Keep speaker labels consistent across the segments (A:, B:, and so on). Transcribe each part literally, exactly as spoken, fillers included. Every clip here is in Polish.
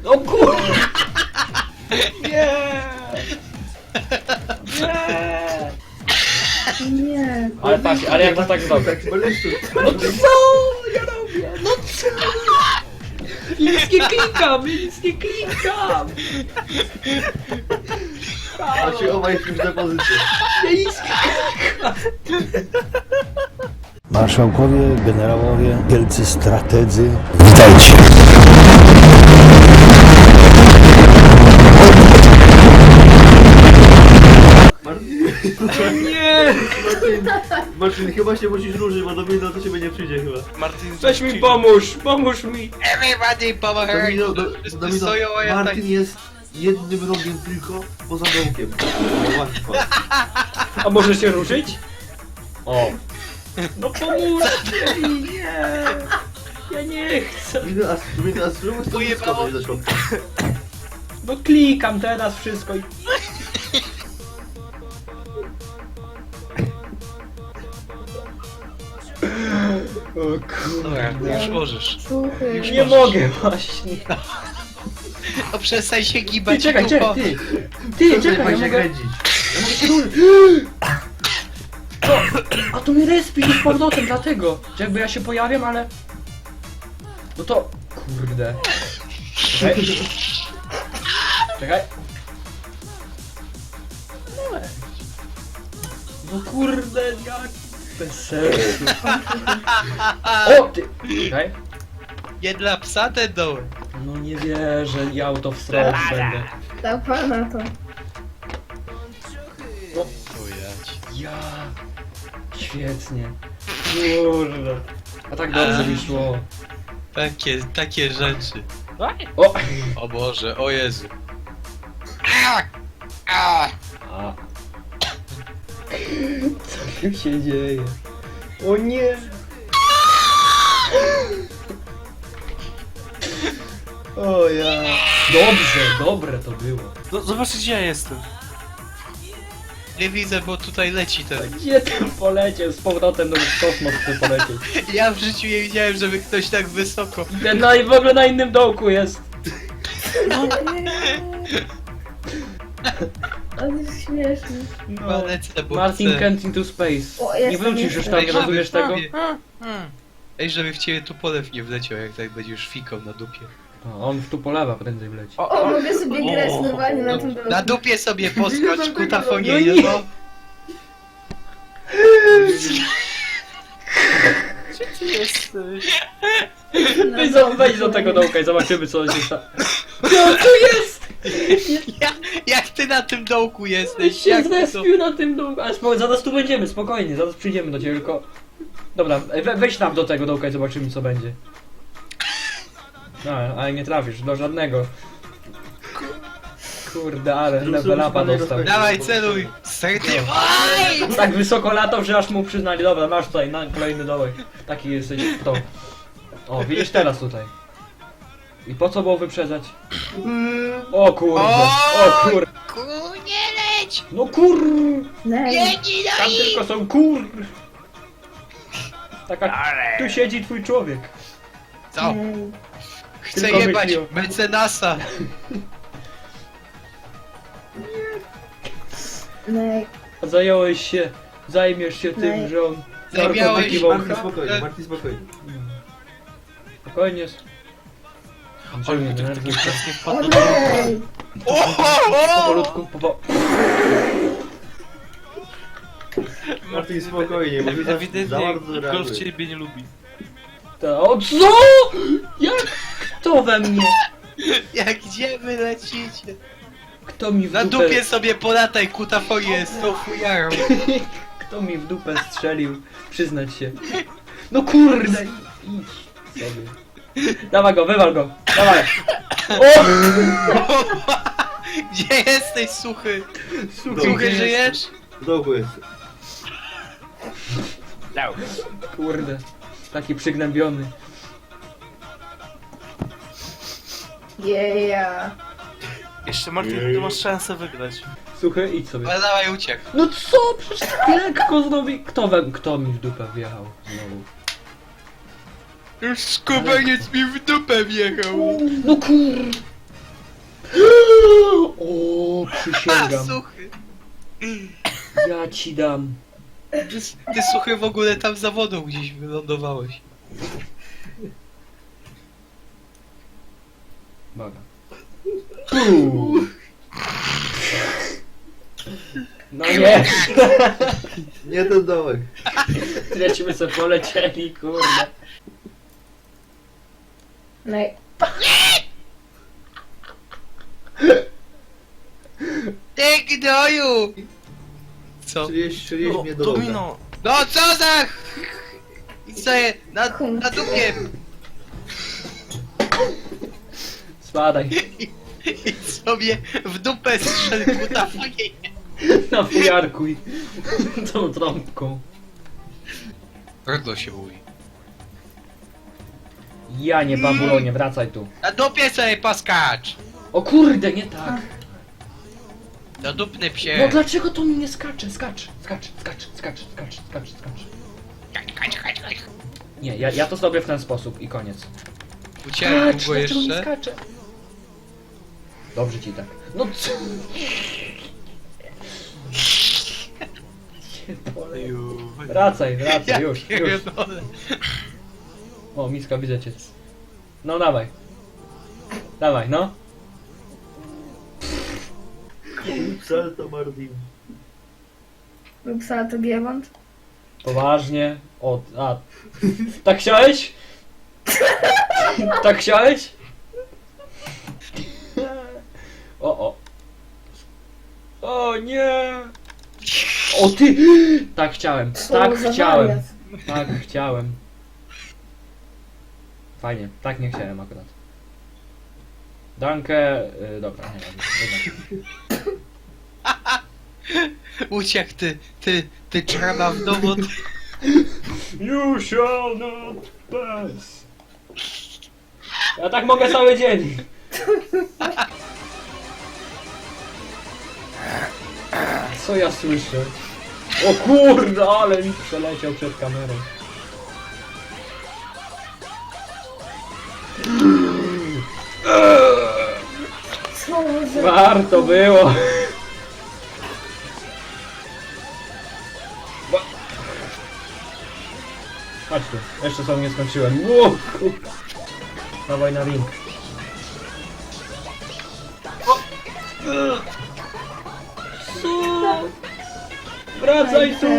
A: O kur... Nie! Nie!
B: Nie.
A: Ale patrz, ale jak to tak zrobię?
C: Tak, boleszczu.
A: No co ja robię? No co? Ja nic nie klikam, ja nic nie klikam!
C: A się obaj już na pozycję.
A: Ja nic nie klikam!
D: Marszałkowie, generałowie, wielcy strategzy, witajcie!
C: Marcin,
A: Nie!
C: Marcin, Marcin, chyba się musisz ruszyć, bo Domino do ciebie nie przyjdzie chyba.
E: Martin,
A: Weź mi pomóż, pomóż mi!
E: Everybody power
C: Domino, do,
E: Wszyscy
C: Domino,
E: stoją, a ja tak...
C: Martin jest jednym rogiem tylko poza dołkiem. No łatwo.
A: A może się ruszyć? O! No pomóżcie mi, nie! Ja nie chcę!
C: Domino, a Domino, a spróbuj sobie
E: Ujebało.
C: skoczyć do środka.
A: No klikam teraz wszystko i... O
E: Dobra,
A: kurde.
E: już możesz.
B: Słuchaj.
E: Już
A: Nie
E: możesz.
A: mogę właśnie.
E: O, przestań się
A: Ty,
E: gibać,
A: czekaj,
E: dupo.
A: czekaj, ty! Ty,
C: Przestań
A: czekaj, ja
C: się
A: mogę...
C: kręcić.
A: Ja mogę się ruszyć. Co? A to mi respi z powrotem, dlatego. Że jakby ja się pojawiam, ale... No to... Kurde. Czekaj. Czekaj. No weź. No kurde, jak... Bez sensu. O, ty! Czekaj.
E: Nie dla psa ten dołek.
A: No nie wierzę, ja autowstrop będę.
B: Dawaj na to.
A: No,
E: O jać.
A: ja... Świetnie. Kurde. A tak dobrze mi szło.
E: Takie, takie rzeczy.
A: O!
E: O Boże, o Jezu. A! A!
A: A. Co tu się dzieje? O nie! O ja. Dobrze, dobre to było.
F: No, zobaczcie gdzie ja jestem.
E: Nie widzę, bo tutaj leci ten.
A: Gdzie ten poleciał? Z powrotem do kosmos chce polecieć.
E: Ja w życiu nie widziałem, żeby ktoś tak wysoko.
A: Ten na, w ogóle na innym dołku jest.
B: On jest śmieszny.
A: No.
E: Chyba lecę, bo
A: Martin
E: chcę.
A: Kent into space.
B: O,
A: Nie
B: jestem,
A: wrócisz już
B: jestem.
A: tam, nie
E: Ej,
A: rozumiesz
E: żeby
A: tego?
E: w ciebie- Ej, żeby w ciebie tu polew nie wleciał, jak tak będziesz fikał na dupie.
A: O, on tu polewa prędzej wleci.
B: O, mogę sobie grać normalnie na tym
E: Na dupie sobie poskocz, kutafonie,
A: No
E: no.
A: nie.
E: no.
F: Gdzie ty jesteś?
A: Wejdź do, wejdź do tego dołka i zobaczymy co się stało. No tu jest!
E: Ja, jak ty na tym dołku
A: Weź
E: jesteś?
A: się
E: Jak ty to...
A: zrespił na tym dołku. Ale spoko, zaraz tu będziemy, spokojnie, zaraz przyjdziemy do ciebie, tylko... Dobra, we, wejdź tam do tego dołka i zobaczymy co będzie. No, ale nie trafisz, do żadnego. Kurde, ale level upa dostał.
E: Dawaj, celuj! Stартywaj!
A: Tak wysoko latał, że aż mu przyznali. Dobra, masz tutaj na kolejny dołek. Taki jesteś kto. O, widzisz teraz tutaj. I po co było wyprzedzać? O kurde, o kur...
E: Ku, nie leć!
A: No kur...
B: Nej.
E: Biegnij
A: Tam
E: do nich!
A: tylko są kur... Taka... Tu siedzi twój człowiek.
E: Co?
B: Nej.
E: Chcę
A: Tylko
E: jebać
A: myśli o-
E: mecenasa!
B: Nej.
A: A zająłeś się... Zajmiesz się tym,
B: Nej.
A: że on...
E: Zajmiałeś
A: narkotyki
C: Martin,
A: wącha.
C: spokojnie, Martin, spokojnie.
A: Spokojnie.
F: Oj,
A: Andrzeju,
F: mi
A: nie
F: to
A: nerwuj
F: taki
A: się.
F: teraz nie
B: O
F: wpadł.
B: nej.
E: O, o, o!
A: Powolutku, powo...
C: Martin, spokojnie, bo widzę, za
F: Ewidentnie
C: bardzo
F: golf
C: reaguje.
F: ciebie nie lubi.
A: Ta- O co? Jak? Kto we mnie?
E: Jak gdzie wy lecicie?
A: Kto mi w
E: Na
A: dupę...
E: dupie sobie polataj, kutafonie z tą fujarą.
A: Kto mi w dupę strzelił? Przyznać się. No kurde! Idź sobie. Dawaj go, wywal go! Dawaj! O!
E: Gdzie jesteś, suchy?
A: Suchy,
E: Suchy,
A: gdzie
E: żyjesz?
C: W dołku jest.
A: Kurde. Taki przygnębiony.
B: Yeah.
F: Jeszcze Martin,
C: Jej.
F: ty masz szansę wygrać.
A: Suchy, idź sobie.
E: Ale dawaj, uciekł.
A: No co? Przecież tak lekko znowu... Kto, we... Kto mi w dupę wjechał znowu?
E: Już skubaniec mi w dupę wjechał.
A: No kur... O, przysięgam.
E: Suchy.
A: Ja ci dam.
E: Ty, ty suchy w ogóle tam za wodą gdzieś wylądowałeś.
A: Uwaga. Uuu. No nie!
C: Nie ten dołek.
A: Lecimy sobie polecieli, kurde.
B: No i...
E: Ty gnoju! Co?
C: Strzeliłeś, strzeliłeś
F: No,
C: mnie do roga.
F: domino!
E: No co za... I sobie na, na dupie!
A: Spadaj.
E: I sobie w dupę strzelił kutafonie.
A: Na fujarkuj. Tą trąbką.
E: Rodno się mówi.
A: Ja nie babulonie, wracaj tu.
E: Na dupie sobie poskacz!
A: O kurde, nie tak.
E: Na dupny
A: No
E: psie!
A: dlaczego to mi nie skacze? Skacz, skacz, skacz, skacz, skacz, skacz, skacz. Nie, ja, ja to zrobię w ten sposób i koniec.
E: Uciekł
A: Skacz,
E: go
A: dlaczego nie
E: jeszcze.
A: skacze? Dobrze ci tak. No co? Cię pole. Wracaj, wracaj,
E: Ja
A: już, już.
E: pierdolę.
A: O, miska, widzę cię. No dawaj. Dawaj, no.
C: Salto Martin.
B: Lub salto giewont.
A: Poważnie. O, a. Tak chciałeś? Tak chciałeś? O, o. O nie. O ty! Tak chciałem,
B: Co
A: tak
B: za
A: chciałem.
B: wariat.
A: Tak chciałem. Fajnie, tak nie chciałem akurat. Dankę... Yy, dobra, nie wiem.
E: Uciekł ty, ty, ty czarna w domu.
A: You shall not pass. Ja tak mogę cały dzień. Co ja słyszę? O kurde, ale mi przeleciał przed kamerą.
B: Co za...
A: Warto było. Wa- Chodź tu, jeszcze sobie nie skończyłem. Ło, kurde. Dawaj na ring. O! Co? Wracaj tu!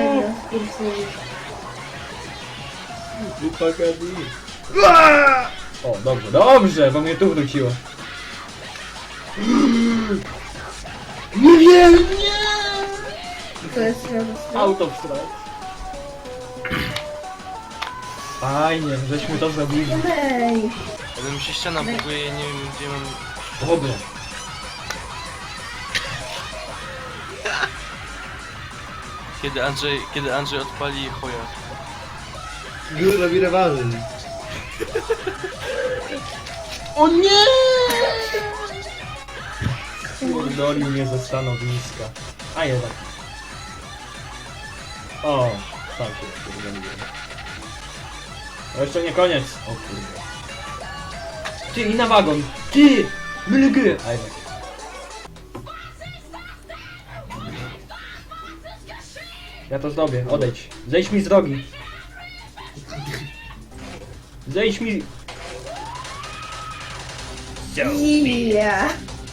A: O, dobrze, dobrze, bo mnie tu wróciło. Nie wiem, nie!
B: To jest radosne.
A: Out of strike. Fajnie, żeśmy to zrobili.
B: Ej,
F: Ale mi się ściana buguje, nie wiem gdzie mam...
A: Dobra.
F: Kiedy Andrzej, kiedy Andrzej odpali choja.
C: Już robi rewanż.
A: O nie! Kurdolił mnie ze stanowiska. A jednak. O, tak się kurdoliłem. To jeszcze nie koniec. O kurde. Ty, i na wagon. Ty! Mylgry! A jednak. Ja to zrobię, odejdź. Zejdź mi z drogi. Zejdź mi...
B: ja.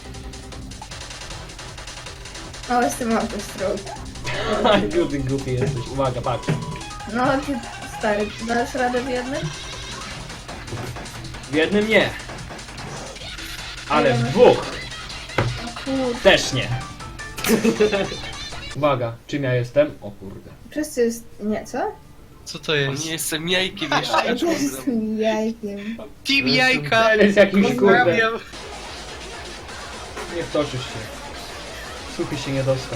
B: O, jestem autostrok.
A: Aj, głupi, głupi jesteś. Uwaga, patrz.
B: No, ty stary, dasz radę w jednym?
A: W jednym nie. Ale w dwóch
B: Kurde,
A: też nie. Uwaga, czym ja jestem? O kurde.
B: wszyscy jest... Nie, co?
E: Co to
F: O
E: jest?
F: nie, jestem jajkiem jeszcze.
B: Ja
F: Ja
B: też jestem jajkiem.
E: Team jajka!
A: To jest jakiś kurde.
E: Pozdrawiam!
A: Nie wtoczysz się. Suchy się nie dostał.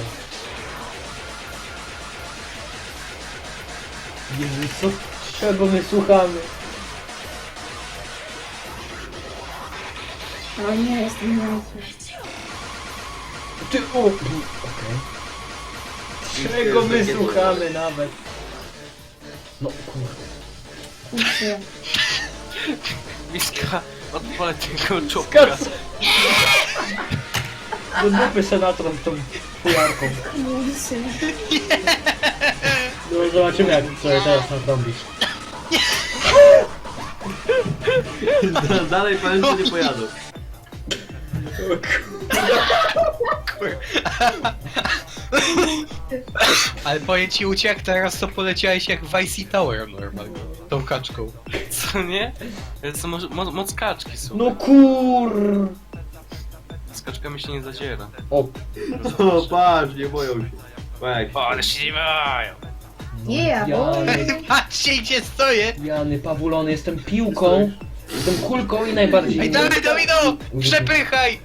A: Jezu, co? Czego my słuchamy?
B: O nie, jestem jajkiem.
A: Ty, o! Okej. Czego my słuchamy nawet? No kurde.
B: Kurczę.
F: Miska, odpalę tego czopka.
A: Kas... Do dupy senator z tą fujarką.
B: Mursy.
A: No zobaczymy jak sobie teraz nadrobisz.
C: Dalej powiem, że nie pojadę.
E: Ale powiem ci uciek, teraz to poleciałeś jak w Icy Tower normalnie. Tą kaczką.
F: Co nie? To są moc, moc, moc kaczki są.
A: No kur...
F: Z kaczkami się nie zadziera.
A: O,
C: O, patrz, nie boją się. Patrz.
E: O, ale się nie mają.
B: Yeah, boy.
A: Jany,
E: Patrzcie gdzie stoję!
A: Jany, pawulony, jestem piłką, jestem kulką i najbardziej...
E: Ej, dawaj Domino! Przepychaj!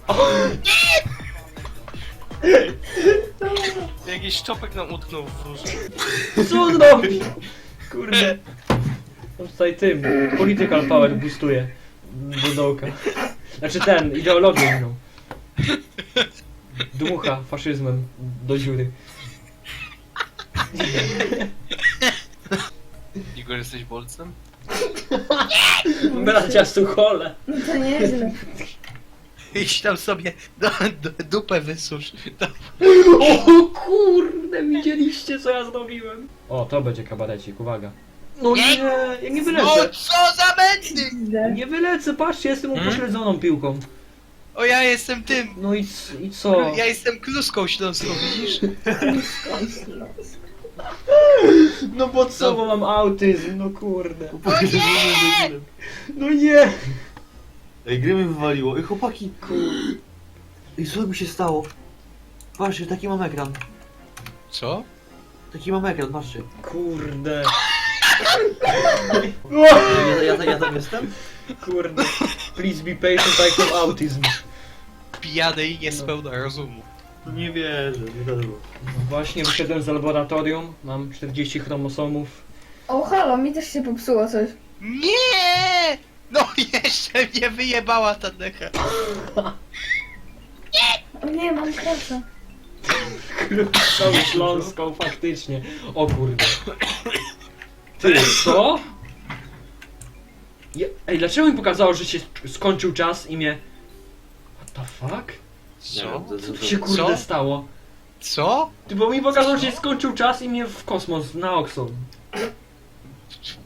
F: Jakiś czopek nam utknął w róże.
A: Co on robi? Kurde. On tutaj tym, political power boostuje do dołka. Znaczy ten, ideologię inną. Dmucha faszyzmem do dziury.
F: Igor, jesteś bolcem?
A: Bracia Suchole.
B: No to nieźle.
E: Idź tam sobie do, do, dupę wysusz. To...
A: O kurde, widzieliście co ja zrobiłem? O, to będzie kabarecik, uwaga. No nie, ja nie
E: No
A: wylecę.
E: co za mędy!
A: Nie wylecę, patrzcie, jestem
E: Hmm?
A: upośledzoną piłką.
E: O ja jestem tym!
A: No i, c- i co?
E: Ja jestem kluską śląską, widzisz?
A: No bo co, bo mam autyzm, no kurde.
C: Nie!
A: No nie.
C: Ej, gry mi wywaliło. Ej, chłopaki. Ej, co mi się stało? Patrzcie, taki mam ekran.
E: Co?
C: Taki mam ekran, patrzcie.
A: Kurde.
C: Ja, ja, ja tam jestem?
A: Kurde. Please be patient, I have autism.
E: Pijany i niespełna rozumu.
C: Nie wierzę, nie to było.
A: Właśnie wyszedłem z laboratorium, mam czterdzieści chromosomów.
B: O, halo, mi też się popsuło coś.
E: Nie! No jeszcze mnie wyjebała ta decha.
B: O nie, mam krasa.
A: Tą śląską, faktycznie. O kurde. Ty, co? Je, ej, dlaczego mi pokazało, że się skończył czas i mnie... What the fuck?
C: Nie
E: Co?
C: wiem, to-
A: Co
C: to-
A: tu się kurde
E: Co?
A: stało?
E: Co?
A: Ty, bo mi pokazało, że się skończył czas i mnie w kosmos, na Oxon.